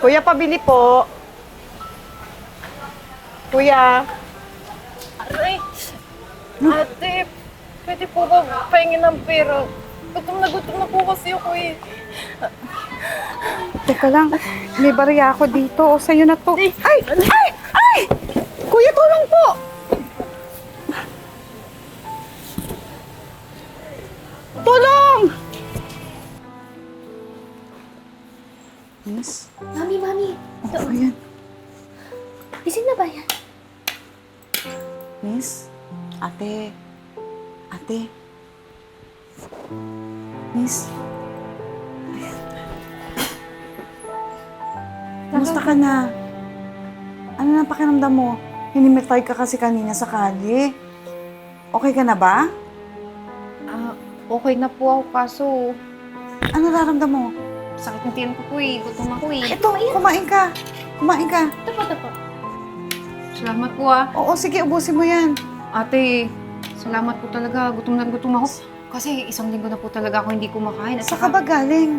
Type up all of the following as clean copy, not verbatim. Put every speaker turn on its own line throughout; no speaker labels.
Kuya, pabili po. Kuya.
Aray! Ate, pwede po ba pahingin ng pera? Gutom na po kasi ako eh.
Teka lang, may barya ako dito. O, sa'yo na to. Ay! Ay! Ay! Kuya, tulong po! Tulong! Miss?
Mami. Ito.
Ayan.
Gising na ba yan?
Miss? Ate? Miss? Kamusta ka na? Ano na pakiramdam mo? Hinimitay ka kasi kanina sa kalye. Okay ka na ba?
Okay na po ako kaso
Ano nararamdam mo?
sakit ng tiyan ko po eh. Gutom ako eh.
Ito, kumain ka. Kumain ka.
Tapo.
Salamat po ah.
Oo, sige, ubusin mo yan.
Ate, salamat po talaga. Gutom ako. Kasi isang linggo na po talaga ako hindi kumakain. At
Saan ka ba galing?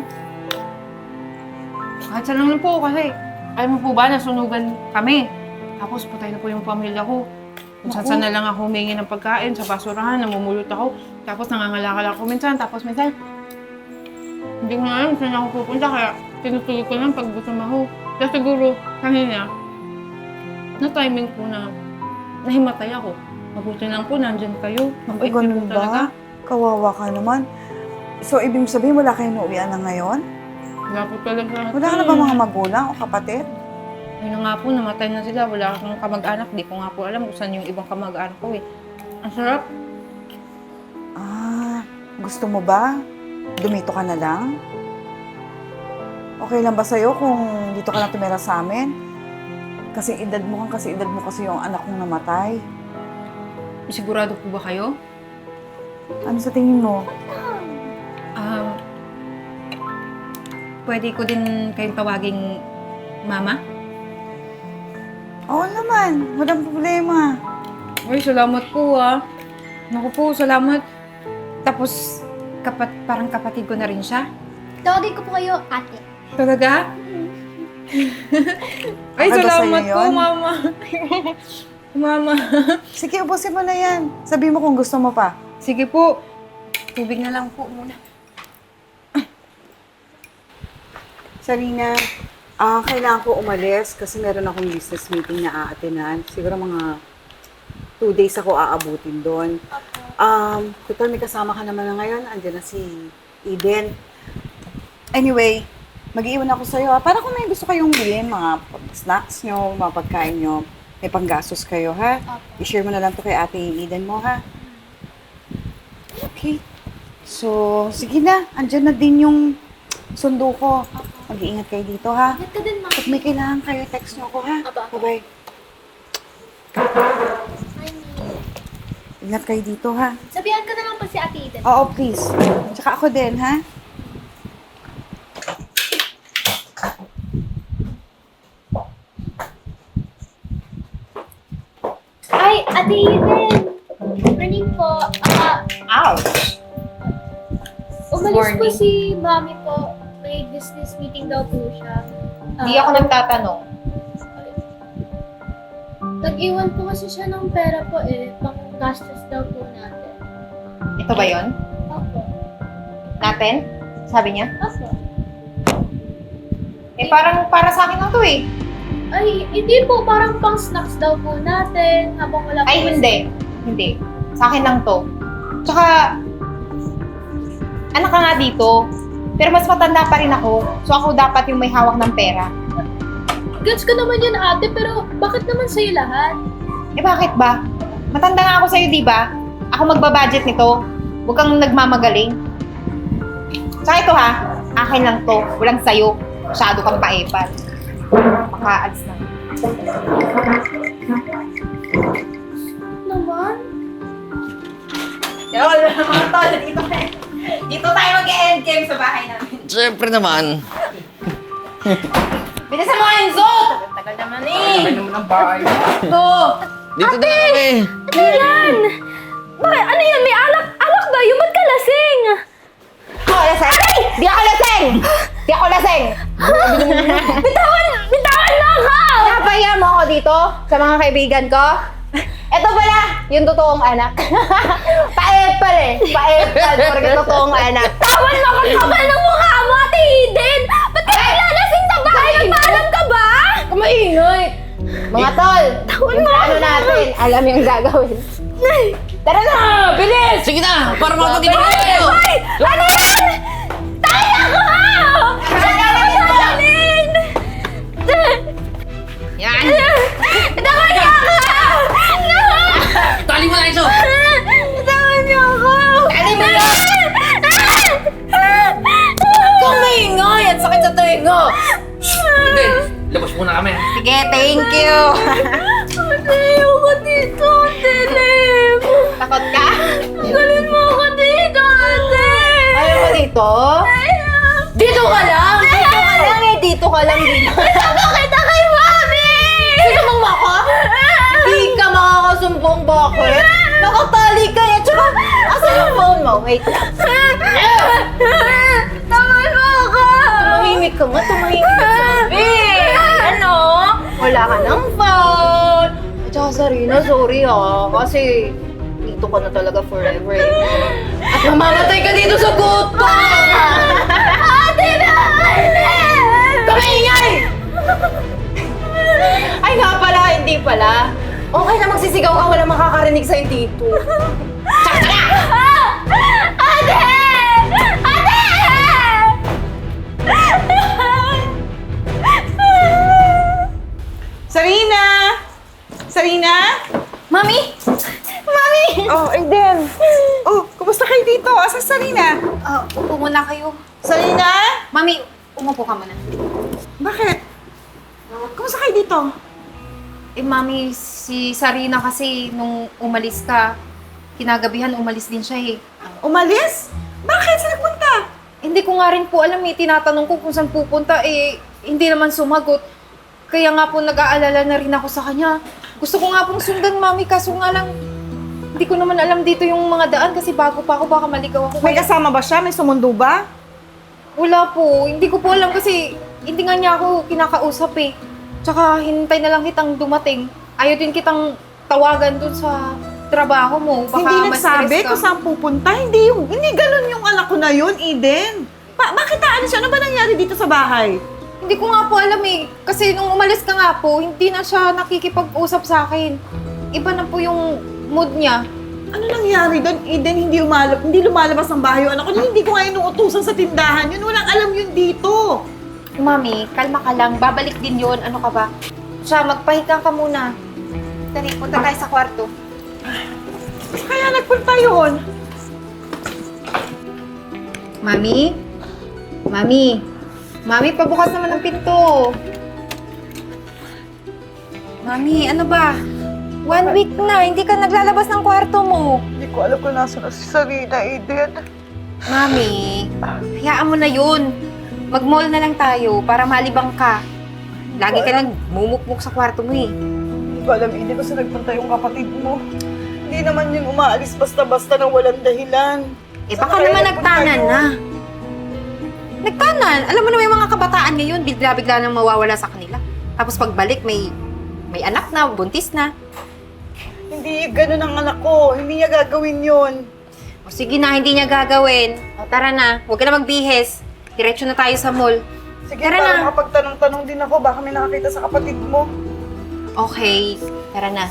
kahit saan lang po kasi alam mo po ba, nasunugan kami. Tapos patay na po yung pamilya ko. Kung saan na lang ako humingi ng pagkain, sa basurahan, namumulot ako. Tapos nangangalakal ako minsan, tapos minsan hindi ko na alam saan ako pupunta, kaya tinutuloy ko lang pag gutom ako. Kaya siguro, kanina, na-timing po na nahimatay ako. Mabuti lang po, nandyan kayo. Mabait niyo po
Ganun
talaga.
ba? Kawawa ka naman. So, ibig sabihin, wala kayong nauwian na ngayon?
Wala po talaga.
Wala ka na ba mga magulang o kapatid?
Ayun na nga po, namatay na sila. Wala akong kamag-anak. Di ko nga po alam kung saan yung ibang kamag-anak ko eh. Ang sarap.
Gusto mo ba? Dumito ka na lang? Okay lang ba sa'yo kung dito ka lang tumira sa amin? Kasi edad mo kasi yung anak kong namatay.
Sigurado po ba kayo?
Ano sa tingin mo?
Pwede ko din kayong tawaging mama?
Oo naman, walang problema.
Ay, salamat po ah. Naku po, salamat. Tapos, parang kapatid ko na rin siya.
Tawagin ko po kayo, ate.
Talaga? Ay,
Baka ba
salamat
sa'yo
po,
yun?
mama. Mama.
Sige, ubusin mo na yan. Sabi mo kung gusto mo pa.
Sige po. Tubig na lang po muna.
Sarina, kailangan ko umalis kasi meron akong business meeting na aatenan. Siguro mga 2 days ako aabutin doon. Total may kasama ka naman na ngayon. Andiyan na si Eden. Anyway, mag-iwan ako sa'yo. Para kung may gusto kayong bilhin, mga snacks nyo, mga pagkain nyo, may panggastos kayo, ha? I-share mo na lang to kay ate Eden mo, ha? Okay. So, sige na. Andiyan na din yung sundo ko. Mag-iingat kayo dito, ha?
Ingat ka din, mami.
Pag may kailangan kayo, text nyo ako, ha?
Aba.
Bye-bye. Ingat kayo dito, ha?
Sabihan ka na lang pa si ate Eden.
Oo, please. Tsaka ako din, ha?
Ay, ate Eden! Morning po.
Ouch!
Umalis po
Morning.
si mami po. May business meeting daw po siya.
Hindi ako nagtatanong.
Nag-iwan po kasi siya ng pera po eh. Pang-gastos daw po natin.
Ito ba yon?
Opo.
Natin? Sabi niya?
Opo.
Eh, parang para sa akin lang to eh.
Ay, hindi po. Parang pang-snacks daw po natin habang wala po.
Ay, hindi. Hindi. Sa akin lang to. Tsaka, anak ka nga dito. Pero mas matanda pa rin ako. So ako dapat yung may hawak ng pera.
Gets ko naman yan ate, pero bakit naman sa'yo lahat?
Eh bakit ba? Matanda nga ako sa'yo, di ba? Ako magbabudget nito. Huwag kang nagmamagaling. Tsaka ito ha, akin lang to. Walang sa'yo. Masyado kang paepal. Makaalis na.
Naman?
Yo, mga tol, dito tayo mag-endgame sa bahay namin.
Siyempre naman.
Bilisan mo, Enzo! Tagal naman eh.
Tagal naman ang bahay.
Ito!
Dito na kami.
Ano yan? Bakit? Ano yan? May alak? Alak ba? Yung ba't ka lasing?
Ako laseng? Di ako laseng! Di ako laseng!
Bitawan mo ako! Napaya mo ako dito sa mga kaibigan ko. Ito pala, yung totoong anak. Paepal eh. Paepal, porque totoong anak.
Tawan mo ako! Kapal ng mukha mo, Ate Eden! Ba't ka naglalasing na ba? Nagpaalam ka ba?
Kumaingay! Mga tol, yung plano natin, alam yung gagawin. Tara na! Bilis!
Sige na! Para makapag-ibig tayo!
Ano yan? Tayo ako! Ano yan?
Yan!
Tawan niyo ako!
Tali mo na iso!
Tawan niyo ako!
Tali mo na! Kumaingay! Ang sakit sa tenga!
Eden, labas muna kami.
Sige, thank you!
Ayoko dito, Ate Lem!
Takot ka?
Tanggalin mo ako dito, Ate!
Ayaw mo dito? Dito ka lang! Dito ka lang eh! Dito ka lang dito!
Kasama kita kay Mami!
Sinumang mo ako? Di ka makakasumbong, bakit? Nakatali ka eh! Tsaka, asan yung phone mo? Wait lang.
Tawan mo ako!
Tumahimik ka nga, tumahimik ka. Ano? Wala ka ng phone. At saka Sarina, sorry kasi dito ka na talaga forever eh. At mamamatay ka dito sa gutom!
Ate Lem!
Kamingay! Ay nga pala, hindi pala. Okay na magsisigaw ka, wala makakarinig sa'yo dito.
Ate! Ate!
Sarina! Sarina?
Mami! Mami!
Oh, Eden. Oh, kumusta kayo dito? Asa Sarina?
Upo muna kayo.
Sarina?
Mami, umupo ka muna.
Bakit? Kumusta kayo dito?
Eh, Mami, si Sarina kasi nung umalis ka, kinagabihan umalis din siya eh.
Umalis? Bakit? Saan nagpunta?
Hindi ko nga rin po alam eh, tinatanong ko kung saan pupunta eh, hindi naman sumagot. Kaya nga po nag-aalala na rin ako sa kanya. Gusto ko nga pong sundan, Mami, kaso nga lang, hindi ko naman alam dito yung mga daan kasi bago pa ako, baka maligaw ako.
May kasama ba siya? May sumundo ba?
Wala po, hindi ko po alam kasi hindi nga niya ako kinakausap eh. Tsaka hintay na lang kitang dumating. Ayaw din kitang tawagan dun sa trabaho mo. Baka
Hindi
mas
nagsabi
stress ka.
kung saan pupunta. Hindi ganun yung anak ko na yun, Eden. Bakit ano siya? Ano ba nangyari dito sa bahay?
Hindi ko nga po alam eh. Kasi nung umalis ka nga po, hindi na siya nakikipag-usap sa akin. Iba na po yung mood niya.
Ano nangyari doon, Eden? Hindi lumalabas ng bahay yung anak ko. Hindi ko nga inuutusan sa tindahan yun. Walang alam yun dito.
Mami, kalma ka lang. Babalik din yon. Ano ka ba? Siya, magpahinga ka muna. Dali, punta tayo sa kwarto.
Kaya nagpunta yun.
Mami? Mami? Mami, pabukas naman ang pinto. Mami, ano ba? 1 week na, hindi ka naglalabas ng kwarto mo.
Hindi ko alam kung nasa na si Sarina, Eden.
Mami, hayaan mo na yun. Mag-mall na lang tayo para malibang ka. Lagi ka lang mumukmuk sa kwarto mo eh.
Hindi ko alam, Eden, kung saan nagpunta yung kapatid mo. Hindi naman yung umaalis basta-basta nang walang dahilan.
Eh
Saan
baka
kaya
naman
nagpunta
nagtanan
yun?
na. Nagtanan. Alam mo naman yung mga kabataan ngayon, bigla-bigla nang mawawala sa kanila. Tapos pagbalik, may anak na, buntis na.
Hindi ganun ang anak ko. Hindi niya gagawin yun.
O sige na, hindi niya gagawin. O tara na, huwag ka na magbihis. Diretso na tayo sa mall.
Sige,
Tara
para
na.
makapagtanong-tanong din ako. Baka may nakakita sa kapatid mo.
Okay, tara na.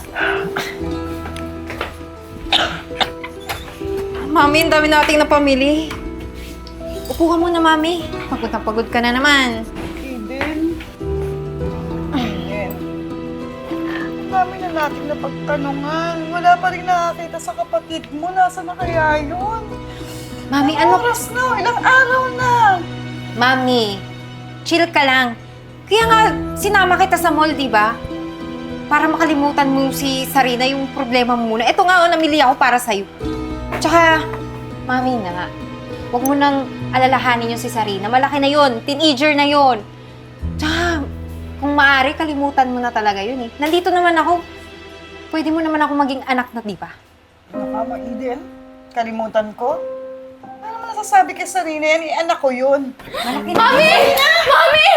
Mami, ang dami nating napamili. Upo ka muna, Mami. Pagod na pagod ka na naman.
Eden. Eden. Ang dami na natin napagtanungan. Wala pa rin nakakita sa kapatid mo. Nasaan na kaya yun?
Mami,
Ilang
ano?
oras na? Ilang araw na?
Mami, chill ka lang. Kaya nga, sinama kita sa mall, di ba? Para makalimutan mo si Sarina yung problema mo muna. Ito nga, namili ako para sa'yo. Tsaka, Mami na, huwag mo nang alalahanin yung si Sarina. Malaki na yon, teenager na yon. Tsaka, kung maaari, kalimutan mo na talaga yun eh. Nandito naman ako. Pwede mo naman ako maging anak na, di ba?
Ano ka, Eden? Kalimutan ko? Ano naman masasabi kay Sarina yan? Anak ko yun.
Mami! Mami!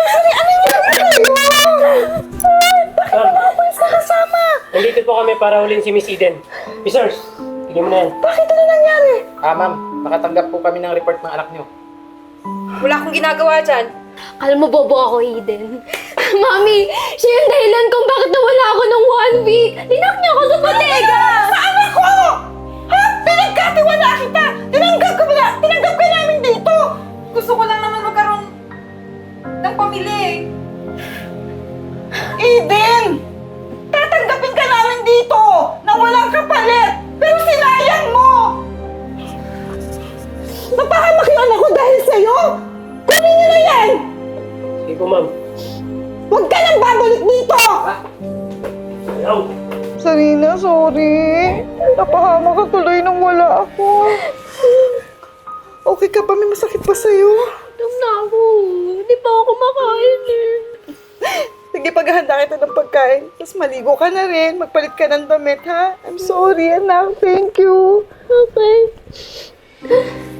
Nandito po kami para ulin si Miss Eden. Missers, tignan mo na yan.
Bakit ano nangyari?
Ma'am, nakatanggap po kami ng report ng anak niyo.
Wala akong ginagawa dyan.
Alam mo, bobo ako, Eden. Mami, siya yung dahilan kung bakit nawala ako ng 1 week. Linak niya ako sa bodega!
Sa anak ko! Ha? Pinagkatiwala kita! Tinanggap ka namin dito!
Gusto ko lang naman magkaroon ng pamilya eh.
Eden! Tatanggapin ka namin dito na walang kapalit! Pero sinayang mo! Napahamak yung anak ko dahil sa'yo! Kunin niyo na yan!
Sige po, ma'am.
Huwag ka nang babalik dito!
Ayaw.
Sarina, sorry. Napahamak ka tuloy nung wala ako. Okay ka ba? May masakit pa sa'yo?
Alam na ako. Hindi pa ako kumakain eh.
Sige, paghahanda kita ng pagkain. Tapos maligo ka na rin. Magpalit ka ng damit, ha? I'm sorry, anak. Thank you.
Okay.